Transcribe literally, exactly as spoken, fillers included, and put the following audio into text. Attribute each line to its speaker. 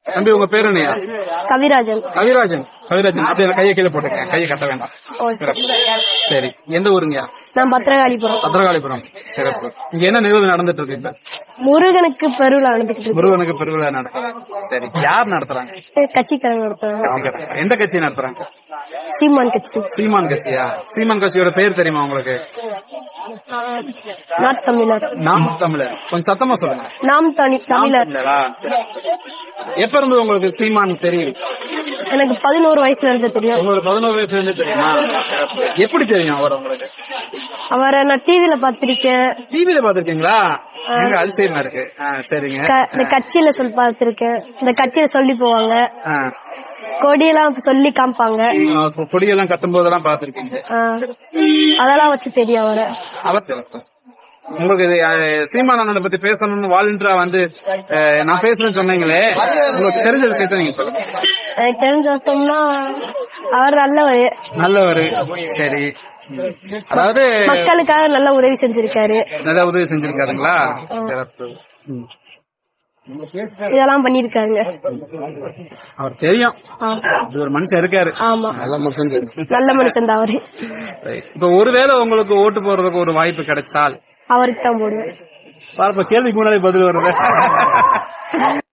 Speaker 1: தம்பி உங்க பேரு என்னையா?
Speaker 2: கவிராஜன்.
Speaker 1: கவிராஜன். கவிராஜன் அப்படியே கையை கீழே போட்டுக்க, கையை கட்ட வேண்டாம். சரி, எந்த ஊருங்கயா?
Speaker 2: நான் பத்திரகாளிபுரம்.
Speaker 1: பத்திரகாளிபுரம். சிறப்பு. இங்க என்ன நிகழ்வு நடந்துட்டு இருக்கு இப்ப?
Speaker 2: முருகனுக்கு பெருவிழா நடந்துட்டு இருக்கு.
Speaker 1: முருகனுக்கு பெருவிழா நடத்துறாங்க. சரி, யார் நடத்துறாங்க?
Speaker 2: கட்சிக்காரங்க நடத்துறாங்க.
Speaker 1: எந்த கட்சி நடத்துறாங்க?
Speaker 2: சீமான் கட்சி.
Speaker 1: சீமான் கட்சியா? சீமான் கட்சியோட பேர் தெரியுமா உங்களுக்கு?
Speaker 2: நாம் தமிழர்.
Speaker 1: நாம் தமிழர். கொஞ்சம் சத்தமா சொல்லுங்க.
Speaker 2: நாம் தமிழர்.
Speaker 1: எப்ப இருந்து உங்களுக்கு சீமான் தெரியும்?
Speaker 2: எனக்கு பதினோரு வயசுல இருந்து தெரியும்.
Speaker 1: உங்களுக்கு பதினோரு வயசுல இருந்து தெரியுமா? எப்படி தெரியும் அவர் உங்களுக்கு?
Speaker 2: அவரை நான் டிவில பாத்திருக்கேன்.
Speaker 1: டிவில பாத்திருக்கீங்களா? எங்க அதிசயமா இருக்கு. சரிங்க.
Speaker 2: இந்த கட்சியில சொல்லி பாத்திருக்கேன். இந்த கட்சியில சொல்லி போவாங்க, கொடியெல்லாம் சொல்லி காமிப்பாங்க.
Speaker 1: கொடியெல்லாம் கட்டும் போதெல்லாம் பாத்திருக்கீங்க.
Speaker 2: அதெல்லாம் வச்சு தெரியும் அவரை.
Speaker 1: அவசியம். உங்களுக்கு சீமான் அண்ணனை பத்தி பேசணும்னு வாலண்டியரா வந்து நான் பேசுறேன்னு சொன்னீங்களே, உங்களுக்கு தெரிஞ்ச விஷயத்த நீங்க சொல்லுங்க.
Speaker 2: எனக்கு தெரிஞ்ச விஷயம்னா அவர் நல்லவர். நல்லவர்.
Speaker 1: சரி. அதாவது
Speaker 2: மக்களுக்காக நல்ல உதவி செஞ்சிருக்காரு.
Speaker 1: நல்ல உதவி செஞ்சிருக்காருங்களா? சிறப்பு.
Speaker 2: இதெல்லாம் பண்ணிருக்காங்க.
Speaker 1: அவர் தெரியும், ஒரு மனுஷன் இருக்காரு.
Speaker 2: ஆமா, நல்ல மனுஷன். நல்ல மனுஷன் தான் அவரு.
Speaker 1: இப்ப ஒருவேளை உங்களுக்கு ஓட்டு போடுறதுக்கு ஒரு வாய்ப்பு கிடைச்சால்
Speaker 2: அவருக்கு தான் போடுவேன்.
Speaker 1: கேள்விக்கு முன்னாடி பதில் வருது.